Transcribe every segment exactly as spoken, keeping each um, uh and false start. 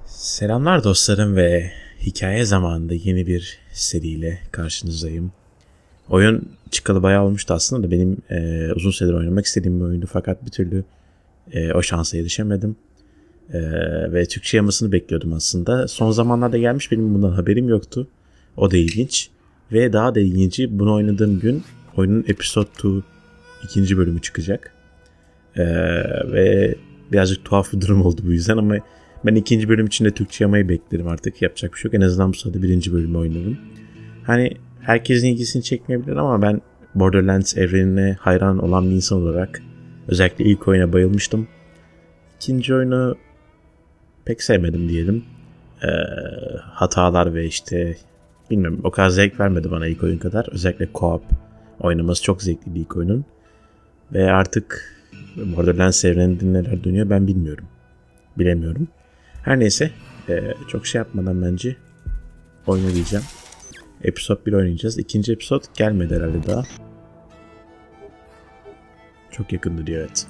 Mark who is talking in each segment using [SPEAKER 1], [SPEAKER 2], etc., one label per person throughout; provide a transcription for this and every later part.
[SPEAKER 1] Selamlar dostlarım ve hikaye zamanında yeni bir seriyle karşınızdayım. Oyun çıkalı bayağı olmuştu aslında da benim e, uzun süredir oynamak istediğim bir oyundu fakat bir türlü e, o şansa erişemedim. E, ve Türkçe yamasını bekliyordum aslında. Son zamanlarda gelmiş, benim bundan haberim yoktu. O da ilginç. Ve daha da ilginci, bunu oynadığım gün oyunun Episode iki ikinci bölümü çıkacak. E, ve birazcık tuhaf bir durum oldu bu yüzden ama ben ikinci bölüm için de Türkçe yamayı beklerim artık. Yapacak bir şey yok. En azından bu sırada birinci bölümü oynadım. Hani herkesin ilgisini çekmeyebilir ama ben Borderlands evrenine hayran olan bir insan olarak özellikle ilk oyuna bayılmıştım. İkinci oyunu pek sevmedim diyelim. Ee, hatalar ve işte bilmiyorum, o kadar zevk vermedi bana ilk oyun kadar. Özellikle co-op oynaması çok zevkli ilk oyunun. Ve artık Borderlands evreninde neler dönüyor ben bilmiyorum. Bilemiyorum. Her neyse, e, çok şey yapmadan bence oyunu diyeceğim. Episode bir oynayacağız. İkinci episode gelmedi herhalde daha. Çok yakındı diyor, evet.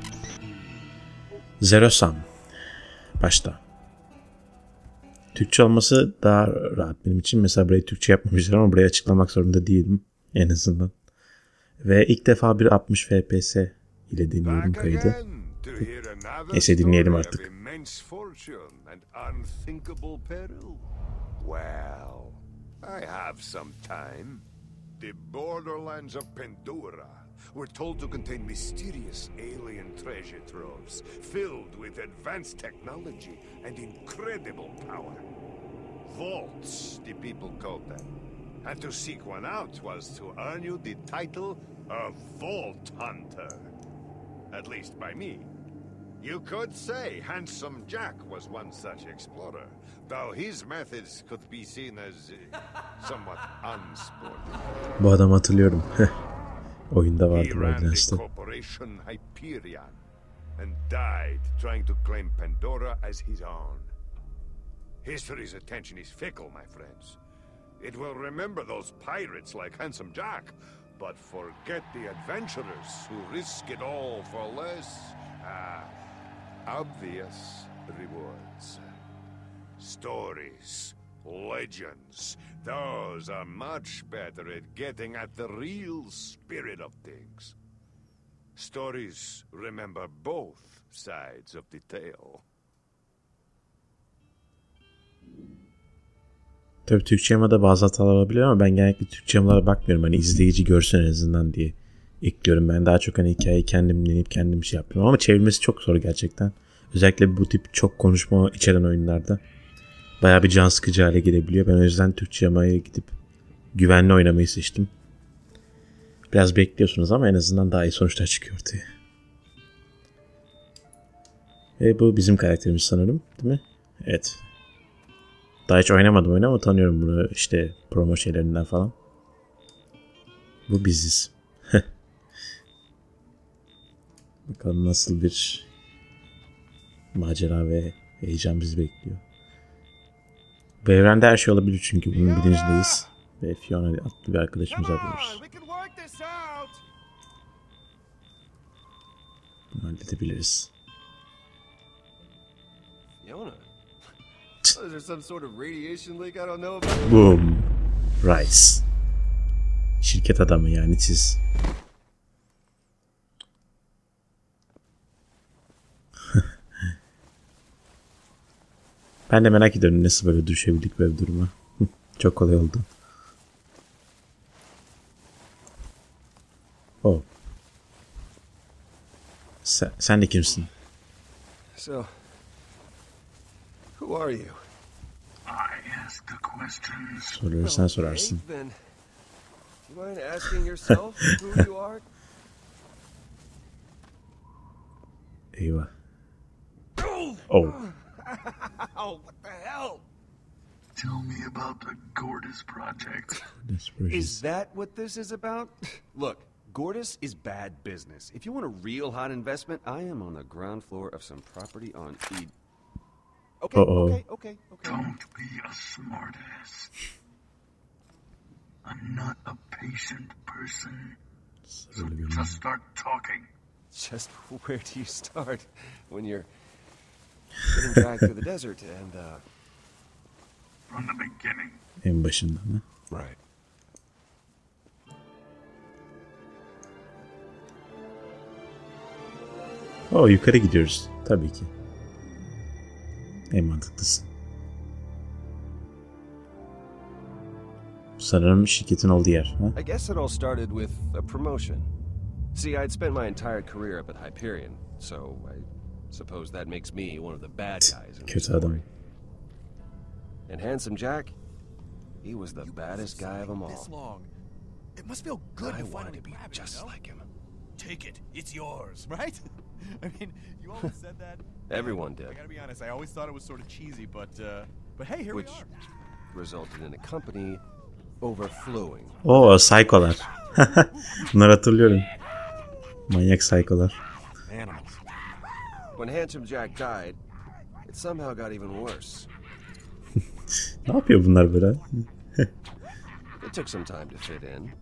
[SPEAKER 1] Zero Sum. Başta. Türkçe olması daha rahat benim için. Mesela burayı Türkçe yapmamışlar ama burayı açıklamak zorunda değilim en azından. Ve ilk defa bir altmış F P S ile dinliyorum kaydı. Neyse, dinleyelim artık.
[SPEAKER 2] Well, I have some time. The borderlands of Pandora were told to contain mysterious alien treasure troves filled with advanced technology and incredible power. Vaults, the people called them. And to seek one out was to earn you the title of Vault Hunter. At least by me. You could say Handsome Jack was one such explorer, though his methods could be seen as uh, somewhat unsporting.
[SPEAKER 1] Bu adamı hatırlıyorum. Oyunda vardı
[SPEAKER 2] He ran the
[SPEAKER 1] Borderlands'ta.
[SPEAKER 2] corporation Hyperion and died trying to claim Pandora as his own. History's attention is fickle, my friends. It will remember those pirates like Handsome Jack, but forget the adventurers who risk it all for less uh, obvious rewards. Stories, legends, those are much better at getting at the real spirit of things. Stories remember both sides of the tale.
[SPEAKER 1] Tabii Türkçe yamada bazı hatalar olabilir ama ben genellikle Türkçe yamalara bakmıyorum. Hani izleyici görsün en azından diye ekliyorum. Ben daha çok hani hikayeyi kendim dinleyip kendim şey yapıyorum. Ama çevirmesi çok zor gerçekten. Özellikle bu tip çok konuşma içeren oyunlarda bayağı bir can sıkıcı hale gelebiliyor. Ben o yüzden Türkçe yamaya gidip güvenli oynamayı seçtim. Biraz bekliyorsunuz ama en azından daha iyi sonuçlar çıkıyor ortaya. Ve bu bizim karakterimiz sanırım, değil mi? Evet. Daha hiç oynamadım oyunu ama tanıyorum bunu işte promo şeylerinden falan. Bu biziz. Bakalım nasıl bir macera ve heyecan bizi bekliyor. Bu evrende her şey olabilir çünkü bunun bilincindeyiz. Ve Fiona adlı bir arkadaşımızı arıyoruz. Bunu halledebiliriz.
[SPEAKER 3] Fiona? Is there some sort of radiation leak I don't know about?
[SPEAKER 1] Boom. Rice. Şirket adamı yani siz. Ben de merak ediyorum nasıl böyle düşebildik böyle bir duruma. Çok kolay oldu. Oh. Sen, sen de kimsin?
[SPEAKER 3] So, who are you?
[SPEAKER 4] I ask the questions.
[SPEAKER 1] Soruları sen sorarsın.
[SPEAKER 3] Okay, then, do you mind asking yourself who you are?
[SPEAKER 1] Eyvah. Oh.
[SPEAKER 3] Oh, what the hell?
[SPEAKER 4] Tell me about the Gordis project.
[SPEAKER 3] Is that what this is about? Look, Gordis is bad business. If you want a real hot investment, I am on the ground floor of some property on E. Okay,
[SPEAKER 1] Uh-oh.
[SPEAKER 3] okay, okay, okay.
[SPEAKER 4] Don't be a smartass. I'm not a patient person. So just start talking.
[SPEAKER 3] Just where do you start when you're getting dragged through the desert and, uh...
[SPEAKER 4] From the beginning.
[SPEAKER 1] En başından ha.
[SPEAKER 3] Right.
[SPEAKER 1] Oo, yukarı gidiyoruz. Tabii ki. En mantıklısı. Sanırım şirketin olduğu yer. Ha?
[SPEAKER 3] I guess it all started with a promotion. See, I'd spent my entire career up at Hyperion, so I suppose that makes me one of the bad guys in the
[SPEAKER 1] Kötü adam.
[SPEAKER 3] story. And Handsome Jack, he was the baddest guy of them
[SPEAKER 5] This
[SPEAKER 3] all.
[SPEAKER 5] long. It must feel good
[SPEAKER 3] I
[SPEAKER 5] to
[SPEAKER 3] wanted
[SPEAKER 5] finally
[SPEAKER 3] to be
[SPEAKER 5] grab it,
[SPEAKER 3] just
[SPEAKER 5] you know?
[SPEAKER 3] like him.
[SPEAKER 5] Take it. It's yours, right? I mean, you always said that.
[SPEAKER 3] Everyone did.
[SPEAKER 5] I gotta be honest. I always thought it was sort of cheesy, but uh, but hey, here
[SPEAKER 3] Which
[SPEAKER 5] we are.
[SPEAKER 3] resulted in a company overflowing.
[SPEAKER 1] Oo, psycholar. Bunları hatırlıyorum. Manyak psycholar.
[SPEAKER 5] Animals.
[SPEAKER 3] When Handsome Jack died, it somehow got even worse.
[SPEAKER 1] Ne yapıyor bunlar böyle?
[SPEAKER 3] It took some time to fit in.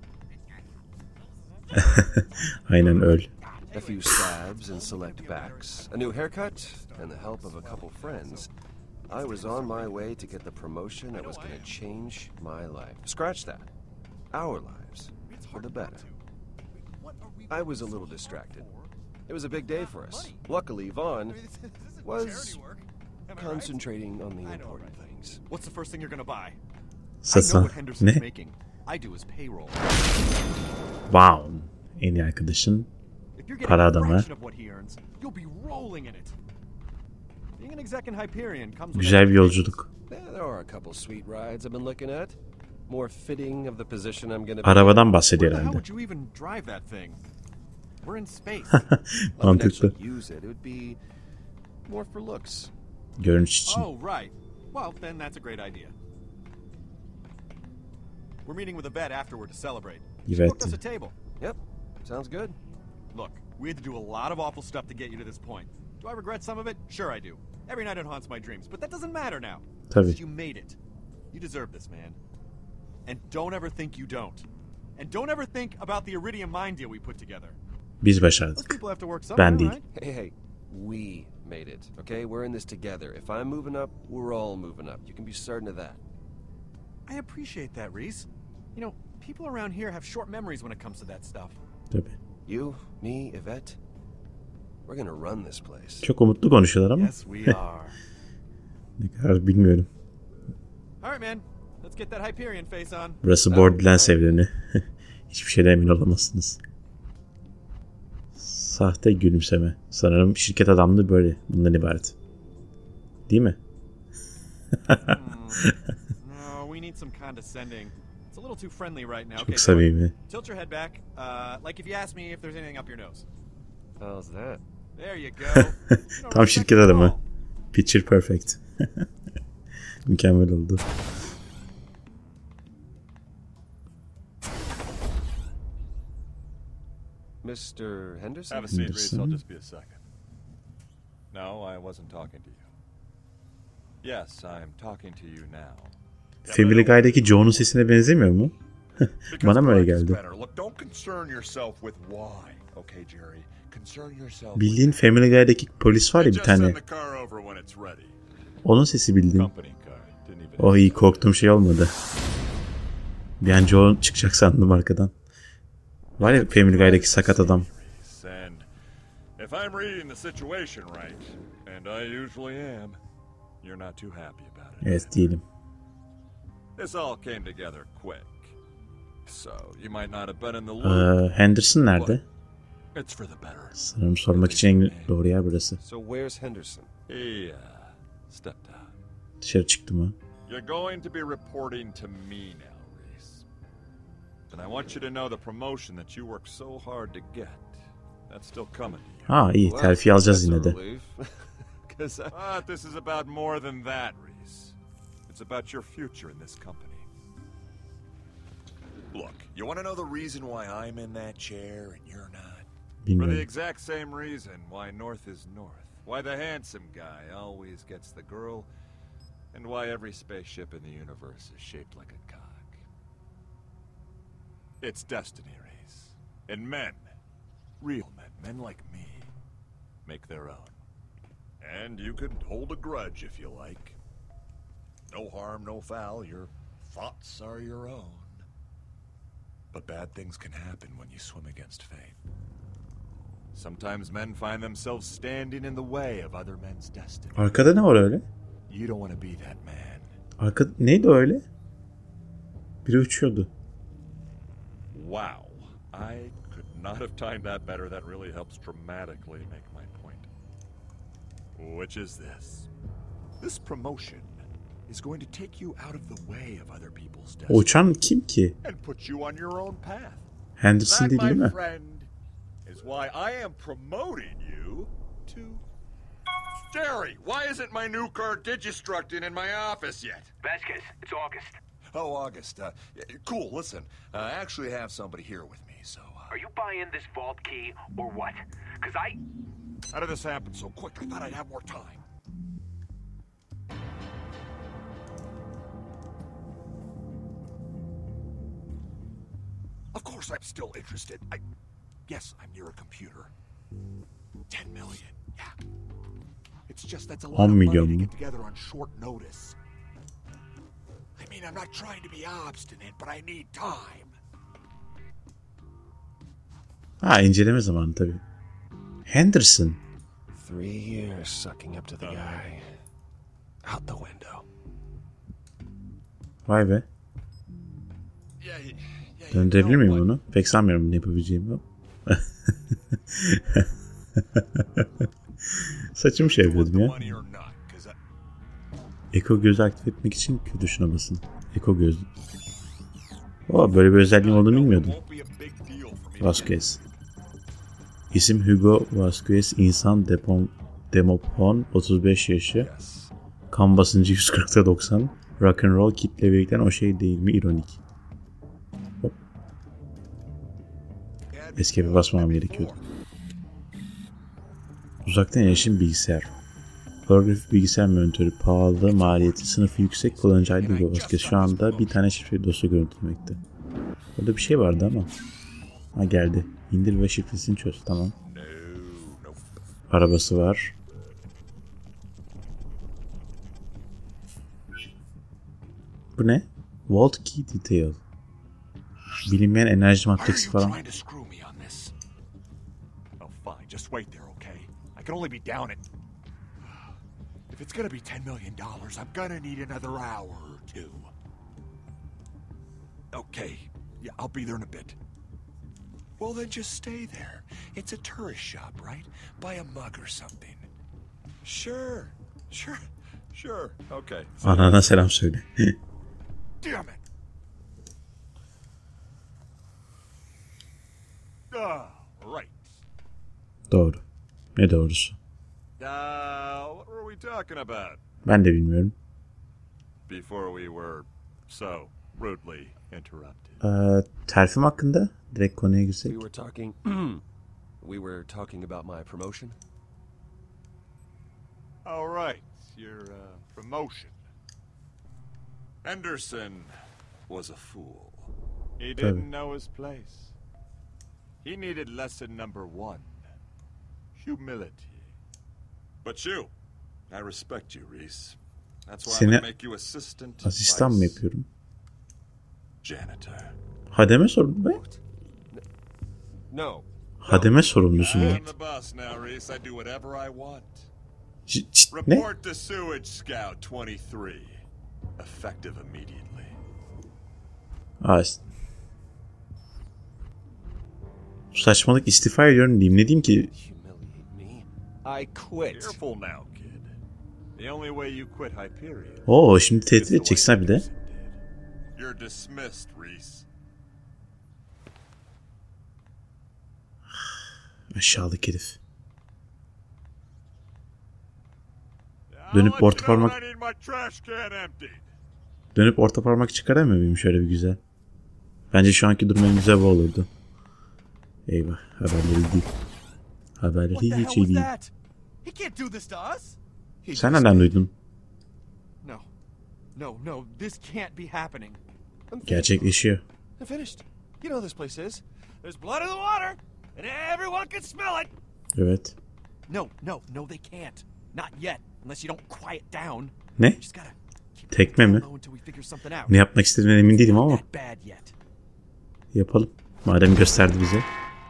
[SPEAKER 1] Aynen öl.
[SPEAKER 3] A few stabs and select backs, a new haircut, and the help of a couple friends, I was on my way to get the promotion that was going to change my life. Scratch that. Our lives. For the better. I was a little distracted. It was a big day for us. Luckily, Vaughn was concentrating on the important things.
[SPEAKER 5] What's the first thing you're gonna buy? I know
[SPEAKER 1] Satın.
[SPEAKER 5] what Henderson's
[SPEAKER 1] Ne?
[SPEAKER 5] making. I do his payroll.
[SPEAKER 1] Wow. En iyi arkadaşın.
[SPEAKER 5] If you're getting
[SPEAKER 1] Para
[SPEAKER 5] a
[SPEAKER 1] adamı.
[SPEAKER 5] fraction of what he earns, you'll be rolling in it. Being an exec in Hyperion comes with
[SPEAKER 1] Güzel bir yolculuk.
[SPEAKER 3] Yeah, there are a couple sweet rides I've been looking at. More fitting of the position I'm going to be.
[SPEAKER 1] Arabadan bahsediyor
[SPEAKER 5] Where the hell
[SPEAKER 1] herhalde.
[SPEAKER 5] would you even drive that thing? We're in space.
[SPEAKER 3] If I
[SPEAKER 1] Mantıklı.
[SPEAKER 3] actually use it, it would be more for looks.
[SPEAKER 1] Görünüş için.
[SPEAKER 5] Oh, right. Well, then that's a great idea. We're meeting with a vet afterward to celebrate. She
[SPEAKER 1] Evet.
[SPEAKER 5] booked us a table.
[SPEAKER 3] Yep, sounds good.
[SPEAKER 5] Look, we had to do a lot of awful stuff to get you to this point. Do I regret some of it? Sure I do. Every night it haunts my dreams, but that doesn't matter now.
[SPEAKER 1] Tabii.
[SPEAKER 5] Because you made it. You deserve this, man. And don't ever think you don't. And don't ever think about the Iridium mine deal we put together.
[SPEAKER 1] Biz
[SPEAKER 5] Those
[SPEAKER 1] başardık.
[SPEAKER 5] people have to work somewhere,
[SPEAKER 1] Ben değil.
[SPEAKER 5] right?
[SPEAKER 3] Hey, hey, we made it, okay? We're in this together. If I'm moving up, we're all moving up. You can be certain of that.
[SPEAKER 5] I appreciate that, Reese. You know, people around here have short memories when it comes to that stuff.
[SPEAKER 1] Tabii.
[SPEAKER 3] You, me, Yvette, we're gonna run this place.
[SPEAKER 1] Çok umutlu konuşuyorlar ama
[SPEAKER 5] Yes, we are.
[SPEAKER 1] ne kadar bilmiyorum.
[SPEAKER 5] All right, man. Let's get that Hyperion face on.
[SPEAKER 1] Burası Borderlands evreni. Hiçbir şeyden emin olamazsınız. Sahte gülümseme. Sanırım şirket adamlığı böyle. Bundan ibaret. Değil mi?
[SPEAKER 5] No, we need some condescending. It's a little too friendly right now. Okay,
[SPEAKER 1] Çok
[SPEAKER 5] so
[SPEAKER 1] samimi.
[SPEAKER 5] tilt your head back. Uh, like if you ask me if there's anything up your nose.
[SPEAKER 3] How's that?
[SPEAKER 5] There you go. You know,
[SPEAKER 1] Tam
[SPEAKER 5] respect
[SPEAKER 1] şirket
[SPEAKER 5] the
[SPEAKER 1] adamı.
[SPEAKER 5] call.
[SPEAKER 1] Picture perfect. Mükemmel oldu.
[SPEAKER 3] Mister Henderson?
[SPEAKER 6] Have a seat, Reese. I'll
[SPEAKER 1] Henderson.
[SPEAKER 6] just be a second. No, I wasn't talking to you. Yes, I'm talking to you now.
[SPEAKER 1] Family Guy'daki Joe'nun sesine benzemiyor mu? Bana mı öyle geldi?
[SPEAKER 2] Look, don't concern yourself with why, okay, Jerry? Concern yourself.
[SPEAKER 1] Bildiğin Family Guy'daki polis var ya bir
[SPEAKER 2] Just send
[SPEAKER 1] tane.
[SPEAKER 2] the car over when it's ready.
[SPEAKER 1] Onun sesi bildiğin.
[SPEAKER 6] Company car. Didn't even.
[SPEAKER 1] Oh iyi, korktuğum şey olmadı. Bir an Joe çıkacak sandım arkadan. Var ya Family Guy'daki sakat adam.
[SPEAKER 6] Reese, and if I'm reading the situation right, and I usually am, you're not too happy about it.
[SPEAKER 1] Evet diyelim.
[SPEAKER 6] This all came together quick. So you might not have been in the loop.
[SPEAKER 1] Ee, Henderson nerede?
[SPEAKER 6] but It's for the better.
[SPEAKER 1] Sanırım sormak için en doğru yer burası.
[SPEAKER 3] So where's Henderson?
[SPEAKER 6] He uh, stepped out.
[SPEAKER 1] Dışarı çıktı mı?
[SPEAKER 6] You're going to be reporting to me now, Reese. And I want you to know the promotion that you worked so hard to get. That's still coming to you.
[SPEAKER 1] Ha iyi,
[SPEAKER 3] Well,
[SPEAKER 1] terfi alacağız
[SPEAKER 3] that's
[SPEAKER 1] yine
[SPEAKER 3] a
[SPEAKER 1] de.
[SPEAKER 3] relief. 'Cause I-
[SPEAKER 6] But this is about more than that, Reese. It's about your future in this company.
[SPEAKER 2] Look, you want to know the reason why I'm in that chair and you're not?
[SPEAKER 6] For the
[SPEAKER 1] Bilmiyorum.
[SPEAKER 6] exact same reason why North is North. Why the handsome guy always gets the girl. And why every spaceship in the universe is shaped like a cock. It's destiny, Reese. And men, real men, men like me, make their own.
[SPEAKER 2] And you could hold a grudge if you like. No harm, no foul. Your thoughts are your own. But bad things can happen when you swim against fate.
[SPEAKER 5] Sometimes men find themselves standing in the way of other men's destiny.
[SPEAKER 1] Arkada ne var öyle?
[SPEAKER 5] You don't want to be that man.
[SPEAKER 1] Arkada neydi öyle? Biri uçuyordu.
[SPEAKER 6] Wow. I could not have timed that better. That really helps dramatically make my point. Which is this.
[SPEAKER 2] This promotion is going to take you out of the way of other people's
[SPEAKER 1] O
[SPEAKER 2] destiny
[SPEAKER 1] uçan kim ki?
[SPEAKER 2] and put you on your own path.
[SPEAKER 1] Henderson
[SPEAKER 6] That,
[SPEAKER 1] değil, değil
[SPEAKER 6] my
[SPEAKER 1] mi?
[SPEAKER 6] friend, is why I am promoting you to... Jerry, why isn't my new car digistructing in my office yet?
[SPEAKER 7] Vasquez, it's August.
[SPEAKER 2] Oh, August. Uh, cool, listen. I actually have somebody here with me, so... Uh,
[SPEAKER 7] Are you buying this vault key or what? Because I...
[SPEAKER 2] how did this happen so quick? I thought I'd have more time. Of course I'm still interested. I... Yes, I'm near a computer. Ten million, yeah. It's just that's a lot of
[SPEAKER 1] on
[SPEAKER 2] money
[SPEAKER 1] milyon
[SPEAKER 2] to
[SPEAKER 1] mu?
[SPEAKER 2] get together on short notice. I mean, I'm not trying to be obstinate, but I need time.
[SPEAKER 1] Ha, inceleme zamanı tabii. Henderson.
[SPEAKER 3] Three years sucking up to the guy. Out the window.
[SPEAKER 1] Vay be.
[SPEAKER 2] Yeah, yeah, you
[SPEAKER 1] Döndürebilir
[SPEAKER 2] know
[SPEAKER 1] miyim
[SPEAKER 2] what?
[SPEAKER 1] bunu? Pek sanmıyorum bunu yapabileceğimi. Saçımı şey yapıyordum ya. Eko gözü aktif etmek için Q tuşuna basın. Eko gözü. Oo, böyle bir özelliğim olduğunu bilmiyordum. Vasquez. İsim Hugo Vasquez. İnsan Depon, Demopon. otuz beş yaşı. Kan basıncı yüz kırkta doksan. Rock and roll kitle birlikten o şey değil mi? İronik. Hop. Escape'e basmam gerekiyordu. Uzaktan erişim bilgisayar. Holografik bilgisayar monitörü pahalı, maliyeti, sınıfı yüksek, kullanıcı I D Hugo Vasquez şu anda bir tane şifreli dosya görüntülemekte. Orada bir şey vardı ama. Ha, geldi. İndir ve şifresini çöz. Tamam. Arabası var. Bu ne? Vault Key Detail. Bilinmeyen enerji matrisi falan.
[SPEAKER 2] Oh, fine, just wait there, okay? I can only be down at... If it's gonna be ten million dollars, I'm gonna need another hour or two. Okay, yeah, I'll be there in a bit. Well, then just stay there. It's a tourist shop, right? Buy a mug or something. Sure, sure, sure, okay.
[SPEAKER 1] Anana selam söyle.
[SPEAKER 2] Damn it! Ah, right.
[SPEAKER 1] Doğru. Ne doğrusu?
[SPEAKER 6] Uh, what were we talking about?
[SPEAKER 1] Ben de bilmiyorum.
[SPEAKER 6] Before we were so rudely interrupted.
[SPEAKER 1] Ee, terfim hakkında direkt konuya girsek.
[SPEAKER 3] We were talking... we were talking about my promotion.
[SPEAKER 6] All right, your uh, promotion. Henderson was a fool. He didn't know his place. He needed lesson number one. Humility. But you, I respect you, Reese. That's why I'm
[SPEAKER 1] Seni
[SPEAKER 6] gonna make you assistant
[SPEAKER 1] asistan mı
[SPEAKER 6] vice
[SPEAKER 1] yapıyorum?
[SPEAKER 6] janitor.
[SPEAKER 1] Hademe sorumlu be.
[SPEAKER 3] No.
[SPEAKER 1] Hademe sorumlusun
[SPEAKER 6] I'm
[SPEAKER 1] be.
[SPEAKER 6] the boss now, Reese. I do whatever I want.
[SPEAKER 1] Ç- ç- ne?
[SPEAKER 6] Report to Sewage Scout twenty-three. Effective immediately.
[SPEAKER 1] Aa, ist- saçmalık, istifa ediyorum diyeyim. Ne diyeyim ki?
[SPEAKER 3] Humiliate me. I quit.
[SPEAKER 6] Careful now, kid. The only way you quit Hyperion
[SPEAKER 1] Oo, şimdi
[SPEAKER 6] is
[SPEAKER 1] tehdit
[SPEAKER 6] the way
[SPEAKER 1] edeceksin ha bir de.
[SPEAKER 6] Henderson did. You're dismissed, Reese.
[SPEAKER 1] Aşağılık herif.
[SPEAKER 6] I'll
[SPEAKER 1] Dönüp
[SPEAKER 6] let you
[SPEAKER 1] orta
[SPEAKER 6] know when
[SPEAKER 1] parmak-
[SPEAKER 6] I need my trash can emptied.
[SPEAKER 1] Dönüp orta parmak çıkaramıyor muyum şöyle bir güzel? Bence şu anki durum en güzel bu olurdu. Eyvah, haberleri değil. Haberleri
[SPEAKER 5] What the hell
[SPEAKER 1] hiç iyi
[SPEAKER 5] was
[SPEAKER 1] değil.
[SPEAKER 5] that? He can't do this to us.
[SPEAKER 1] Sen nereden duydun?
[SPEAKER 5] No. No, no, this can't be happening.
[SPEAKER 3] I'm finished.
[SPEAKER 1] Gerçekleşiyor.
[SPEAKER 3] I'm finished. You know this place is.
[SPEAKER 5] There's blood in the water, and everyone can smell it.
[SPEAKER 1] Evet.
[SPEAKER 5] No, no, no, they can't. Not yet, unless you don't quiet down.
[SPEAKER 1] Ne?
[SPEAKER 5] Just gotta keep
[SPEAKER 1] Tekme mi?
[SPEAKER 5] low until we figure something out.
[SPEAKER 1] Ne yapmak istediğimden emin değilim ama
[SPEAKER 5] Not bad yet.
[SPEAKER 1] yapalım. Madem gösterdi bize.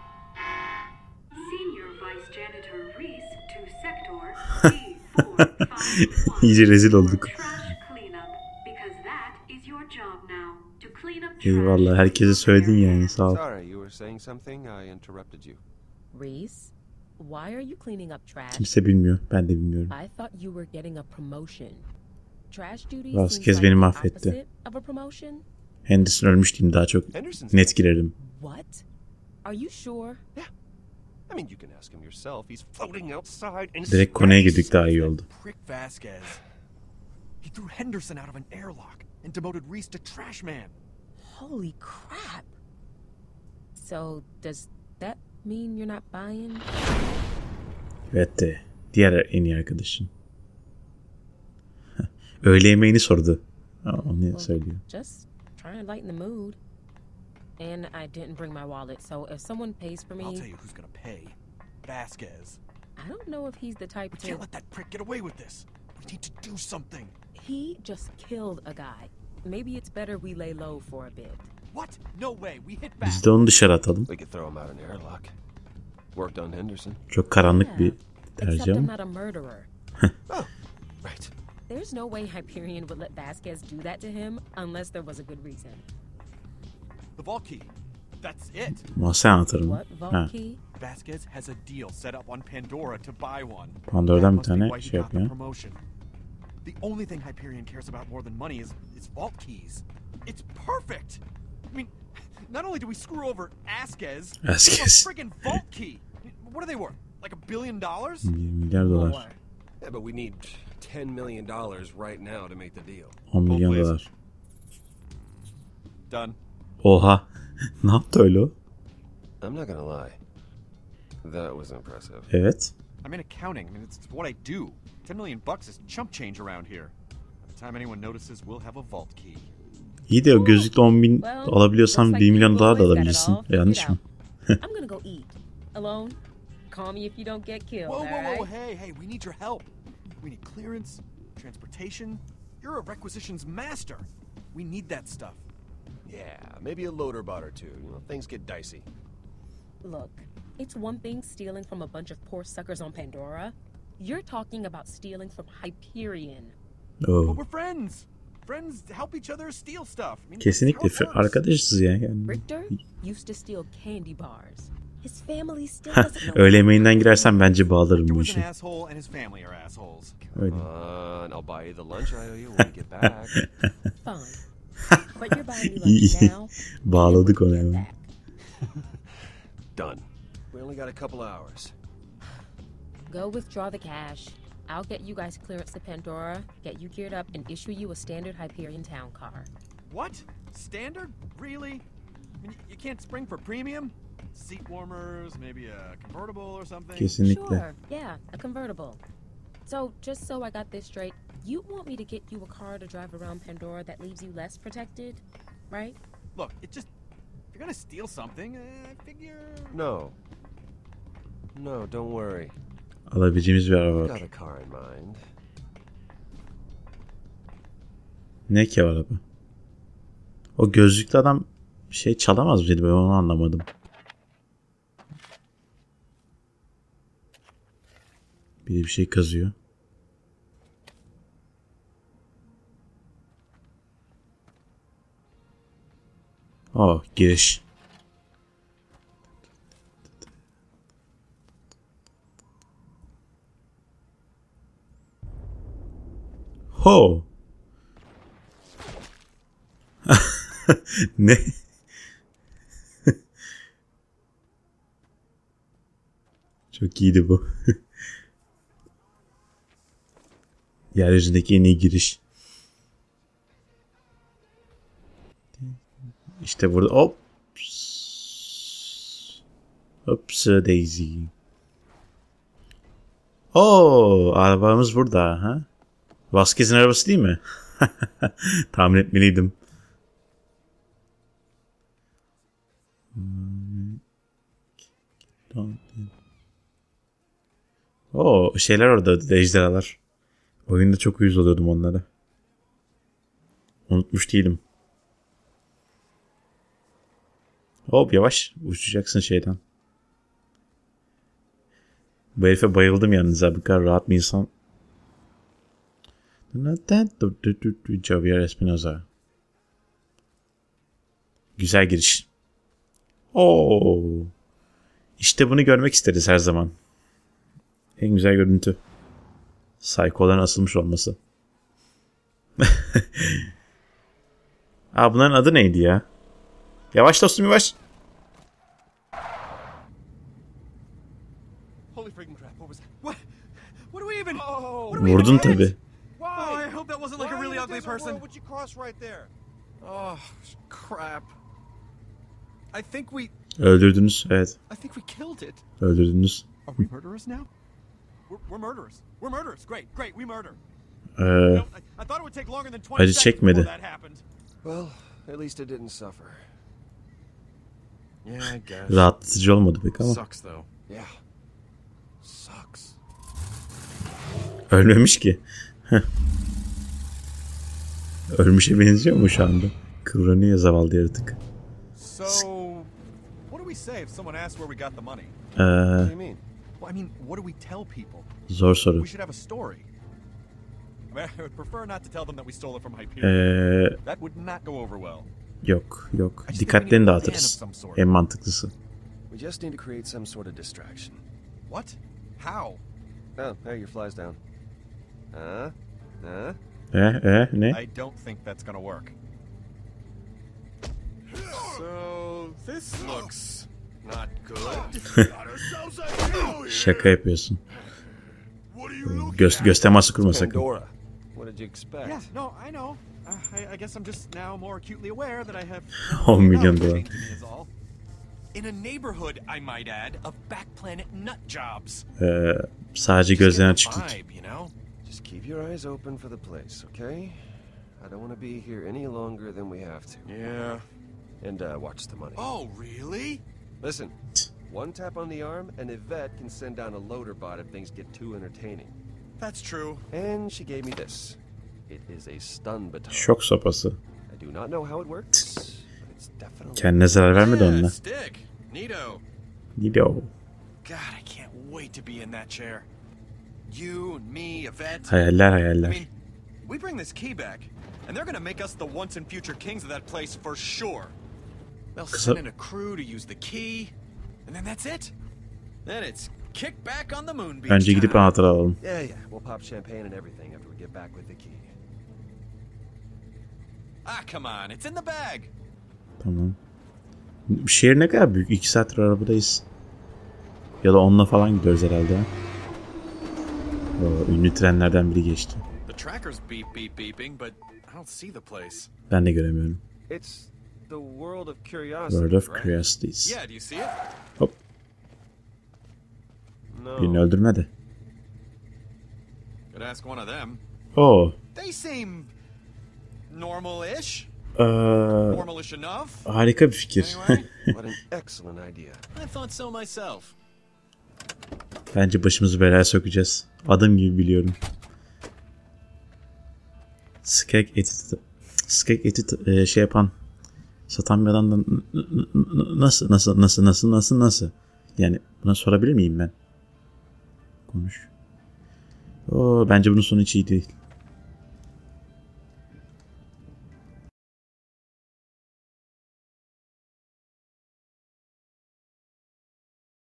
[SPEAKER 8] Senior Vice Janitor Reese to Sector D four five one.
[SPEAKER 1] İyice rezil olduk.
[SPEAKER 8] Trash cleanup, because that is your job now. To clean up trash.
[SPEAKER 1] Eyvallah, herkese söyledin yani, sağ ol.
[SPEAKER 3] Sorry, you were saying something? I interrupted you.
[SPEAKER 9] Reese, why are you cleaning up trash?
[SPEAKER 1] Kimse bilmiyor, ben de bilmiyorum.
[SPEAKER 9] I thought you were getting a promotion. Trash duty
[SPEAKER 1] Vasquez
[SPEAKER 9] seems like
[SPEAKER 1] beni
[SPEAKER 9] the
[SPEAKER 1] mahvetti.
[SPEAKER 9] opposite of a promotion.
[SPEAKER 1] Henderson ölmüş diyeyim, daha çok
[SPEAKER 3] Henderson's
[SPEAKER 1] net girerim.
[SPEAKER 9] What? Are you sure?
[SPEAKER 3] Yeah. I mean, you can ask him yourself. He's floating outside in
[SPEAKER 1] Direkt konuya
[SPEAKER 3] space.
[SPEAKER 1] girdik, daha iyi oldu.
[SPEAKER 5] Prick Vasquez. He threw Henderson out of an airlock and demoted Reese to trash man.
[SPEAKER 9] Holy crap. So, does that mean you're not buying?
[SPEAKER 1] Evet de diğer en iyi arkadaşın. Öğle yemeğini sordu. Aa, onu söylüyor.
[SPEAKER 9] Just trying to lighten the mood. And I didn't bring my wallet, so if someone pays for me...
[SPEAKER 5] I'll tell you who's gonna pay. Vasquez.
[SPEAKER 9] I don't know if he's the type
[SPEAKER 5] We
[SPEAKER 9] to...
[SPEAKER 5] can't let that prick get away with this. We need to do something.
[SPEAKER 9] He just killed a guy. Maybe it's better we lay low for a bit.
[SPEAKER 5] What? No way. We hit back.
[SPEAKER 1] Biz de onu dışarı atalım.
[SPEAKER 3] We could throw him out an airlock. Worked on Henderson.
[SPEAKER 1] Çok karanlık bir
[SPEAKER 9] Except
[SPEAKER 1] tercih
[SPEAKER 9] I'm
[SPEAKER 1] ama.
[SPEAKER 9] not a murderer.
[SPEAKER 3] Oh, right.
[SPEAKER 9] There's no way Hyperion would let Vasquez do that to him unless there was a good reason.
[SPEAKER 5] The vault key. That's it.
[SPEAKER 1] Ama sen anlatırım.
[SPEAKER 9] What, vault
[SPEAKER 1] Ha,
[SPEAKER 9] key?
[SPEAKER 5] Vasquez has a deal set up on Pandora to buy one.
[SPEAKER 1] Pandora'dan
[SPEAKER 5] That
[SPEAKER 1] bir
[SPEAKER 5] must be
[SPEAKER 1] tane
[SPEAKER 5] why he
[SPEAKER 1] şey
[SPEAKER 5] got the
[SPEAKER 1] yapıyor.
[SPEAKER 5] promotion. The only thing Hyperion cares about more than money is is vault keys. It's perfect. I mean, not only do we screw over Vasquez, we have
[SPEAKER 1] Vasquez.
[SPEAKER 5] a friggin' vault key. What are they worth? Like a billion dollars?
[SPEAKER 1] milyar dolar.
[SPEAKER 9] More.
[SPEAKER 3] Yeah, but we need ten million dollars right now to make the deal.
[SPEAKER 1] on milyon
[SPEAKER 5] please.
[SPEAKER 1] dolar.
[SPEAKER 5] Done.
[SPEAKER 1] Oha. Ne yaptı öyle o?
[SPEAKER 3] I'm not gonna lie. That was impressive.
[SPEAKER 1] Evet.
[SPEAKER 5] I'm in accounting. I mean, it's, it's what I do. Ten million bucks is chump change around here. By the time anyone notices, we'll have a vault key.
[SPEAKER 1] İyi de o gözlükle on bin
[SPEAKER 9] Well,
[SPEAKER 1] alabiliyorsan
[SPEAKER 9] looks
[SPEAKER 1] bir
[SPEAKER 9] like
[SPEAKER 1] milyon
[SPEAKER 9] you
[SPEAKER 1] dolar da
[SPEAKER 9] boys got it
[SPEAKER 1] alabilirsin.
[SPEAKER 9] all figured
[SPEAKER 1] Yanlış mı?
[SPEAKER 9] out. I'm gonna go eat. Alone. Call me if you don't get killed,
[SPEAKER 5] Whoa, whoa, whoa,
[SPEAKER 9] alright?
[SPEAKER 5] hey, hey, we need your help. We need clearance, transportation. You're a requisitions master. We need that stuff.
[SPEAKER 3] Yeah, maybe a loader bot or two. You know, things get dicey.
[SPEAKER 9] Look, it's one thing stealing from a bunch of poor suckers on Pandora. You're talking about stealing from Hyperion.
[SPEAKER 5] But
[SPEAKER 1] Oo.
[SPEAKER 5] we're friends. Friends help each other steal stuff. I mean,
[SPEAKER 1] Kesinlikle
[SPEAKER 5] that's how it works.
[SPEAKER 1] arkadaşız ya. Yani.
[SPEAKER 9] Richter used to steal candy bars. His family still doesn't know.
[SPEAKER 1] Öğle yemeğinden girersen bence bağlarım
[SPEAKER 5] Victor
[SPEAKER 1] bu
[SPEAKER 5] was an
[SPEAKER 1] işi.
[SPEAKER 5] asshole and his family are assholes.
[SPEAKER 1] Öyle.
[SPEAKER 3] Uh, and I'll buy you the lunch I owe you when we get back.
[SPEAKER 9] Fine. But you're buying me
[SPEAKER 1] İyi,
[SPEAKER 9] lunch
[SPEAKER 1] iyi.
[SPEAKER 9] now.
[SPEAKER 1] Bağladık
[SPEAKER 9] and
[SPEAKER 1] onu
[SPEAKER 9] when we
[SPEAKER 1] hemen.
[SPEAKER 9] get back.
[SPEAKER 3] Done. We only got a couple hours.
[SPEAKER 9] Go withdraw the cash. I'll get you guys clearance to Pandora, get you geared up, and issue you a standard Hyperion town car.
[SPEAKER 5] What? Standard? Really? I mean, you can't spring for premium? Seat warmers, maybe a convertible or something?
[SPEAKER 1] Kesinlikle.
[SPEAKER 9] Sure, yeah, a convertible. So, just so I got this straight, you want me to get you a car to drive around Pandora that leaves you less protected, right?
[SPEAKER 5] Look, it just... If you're gonna steal something, uh, I figure...
[SPEAKER 3] No. No, don't worry.
[SPEAKER 1] Alabileceğimiz bir araba
[SPEAKER 3] Got
[SPEAKER 1] var.
[SPEAKER 3] a car in mind.
[SPEAKER 1] Ne ki araba? O gözlüklü adam bir şey çalamaz mıydı? Ben onu anlamadım. Biri bir şey kazıyor. Oh, giriş. Ho. Ne? Çok iyiydi bu. Yeryüzündeki en iyi giriş. İşte burada hop. Hops Daisy. Oo, arabamız burada ha. Vasquez'in arabası değil mi? Tahmin etmeliydim. Oo, şeyler orada, ejderhalar. Oyunda çok uyuz oluyordum onlara. Unutmuş değilim. Hop, yavaş uçacaksın şeyden. Bu herife bayıldım yalnız abi. Bu kadar rahat bir insan. Javier Espinosa. Güzel giriş. Oo. İşte bunu görmek isteriz her zaman. En güzel görüntü. Psycho'ların asılmış olması. Aa, bunların adı neydi ya? Yavaş dostum, yavaş.
[SPEAKER 5] Holy freaking crap! What was that? What? What do we even? Oh,
[SPEAKER 1] Vurdun tabi.
[SPEAKER 5] Oh, I hope that wasn't like a really ugly person.
[SPEAKER 3] Would you cross right there?
[SPEAKER 5] Oh, crap. I think we.
[SPEAKER 1] Öldürdünüz, evet.
[SPEAKER 5] I think we killed it.
[SPEAKER 1] Öldürdünüz.
[SPEAKER 5] Are we murderers now? We're, we're murderers. We're murderers. Great, great. We murder.
[SPEAKER 1] Ee,
[SPEAKER 5] No, I, I thought it would take longer than twenty
[SPEAKER 1] acı
[SPEAKER 5] seconds
[SPEAKER 1] çekmedi.
[SPEAKER 5] before that happened.
[SPEAKER 3] Well, at least it didn't suffer.
[SPEAKER 5] Yeah, I guess.
[SPEAKER 1] Rahatlatıcı olmadı pek ama.
[SPEAKER 5] Sucks though.
[SPEAKER 3] Yeah. Sucks.
[SPEAKER 1] Ölmemiş ki. Ölmüşe benziyor mu şu anda? Kıvranıyor zavallı yaratık.
[SPEAKER 5] So, what do we say if someone asks where we got the money?
[SPEAKER 1] Ee,
[SPEAKER 3] What do you mean?
[SPEAKER 5] Well, I mean, what do we tell people?
[SPEAKER 1] zor soru.
[SPEAKER 5] We should have a story. I mean, I would prefer not to tell them that we stole it from Hyperion.
[SPEAKER 1] Ee,
[SPEAKER 5] That would not go over well.
[SPEAKER 1] yok yok.
[SPEAKER 5] I just think we
[SPEAKER 1] Dikkatlerini
[SPEAKER 5] need a plan
[SPEAKER 1] dağıtırız.
[SPEAKER 5] of some sort.
[SPEAKER 1] En mantıklısı.
[SPEAKER 3] We just need to create some sort of distraction.
[SPEAKER 5] What? How?
[SPEAKER 3] Oh, there your flies down. Huh? Huh?
[SPEAKER 1] Eh eh ne?
[SPEAKER 5] I don't think that's gonna work.
[SPEAKER 6] So this looks not good.
[SPEAKER 1] Şaka yapıyorsun. Göz, göz teması kurma sakın.
[SPEAKER 3] Pandora. What did you expect?
[SPEAKER 5] Yeah, no, I know. Uh, I, I guess I'm just now more acutely aware that I have
[SPEAKER 1] on milyon
[SPEAKER 5] knowledge
[SPEAKER 1] dolar.
[SPEAKER 5] to me is all. In a neighborhood, I might add, of back planet nut jobs.
[SPEAKER 1] Ee, sadece gözden
[SPEAKER 5] Just
[SPEAKER 1] açık
[SPEAKER 5] get
[SPEAKER 1] tut.
[SPEAKER 5] the vibe, you know?
[SPEAKER 3] Just keep your eyes open for the place, okay? I don't want to be here any longer than we have to.
[SPEAKER 5] Yeah.
[SPEAKER 3] And uh, watch the money.
[SPEAKER 5] Oh, really?
[SPEAKER 3] Listen, one tap on the arm, and Yvette can send down a loader bot if things get too entertaining.
[SPEAKER 5] That's true.
[SPEAKER 3] And she gave me this. It is a stun baton.
[SPEAKER 1] Şok sopası.
[SPEAKER 3] I do not know how it works, but it's definitely...
[SPEAKER 1] Kendine zarar vermedi
[SPEAKER 5] Yeah,
[SPEAKER 1] onunla.
[SPEAKER 5] stick. Neato.
[SPEAKER 1] Gidiyor.
[SPEAKER 5] God, I can't wait to be in that chair. You and me, Yvette.
[SPEAKER 1] Hayaller
[SPEAKER 5] I
[SPEAKER 1] hayaller.
[SPEAKER 5] mean, we bring this key back, and they're gonna make us the once and future kings of that place for sure. They'll
[SPEAKER 1] So-
[SPEAKER 5] send in a crew to use the key, and then that's it. Then it's kick back on the moon beach.
[SPEAKER 1] Önce gidip
[SPEAKER 5] time.
[SPEAKER 1] anahtarı alalım.
[SPEAKER 3] Yeah, yeah, we'll pop champagne and everything after we get back with the key.
[SPEAKER 5] Ah, come on, it's in the bag.
[SPEAKER 1] Tamam. Şehir ne kadar büyük? İki saattir arabadayız. Ya da onunla falan gidiyoruz herhalde. ha. O, ünlü trenlerden biri geçti.
[SPEAKER 5] The tracker's beep beep beeping, but I don't see the place.
[SPEAKER 1] Ben de göremiyorum.
[SPEAKER 3] It's the world of curiosity,
[SPEAKER 1] World of
[SPEAKER 3] right?
[SPEAKER 1] Curiosities.
[SPEAKER 5] Yeah, do you see it?
[SPEAKER 1] Hop.
[SPEAKER 3] No.
[SPEAKER 1] Birini öldürme de.
[SPEAKER 5] Could ask one of them.
[SPEAKER 1] Oo.
[SPEAKER 5] They seem normal-ish.
[SPEAKER 1] Ee,
[SPEAKER 5] Normalish enough.
[SPEAKER 1] harika bir fikir.
[SPEAKER 5] Anyway,
[SPEAKER 3] What an excellent idea.
[SPEAKER 5] I thought so myself.
[SPEAKER 1] Bence başımızı belaya sokacağız. Adım gibi biliyorum. Skek eti, skek eti e, şey yapan, satan bir adamdan n- n- n- nasıl nasıl nasıl nasıl nasıl nasıl? Yani buna sorabilir miyim ben? Konuş. Oo, bence bunun sonu hiç iyi değil.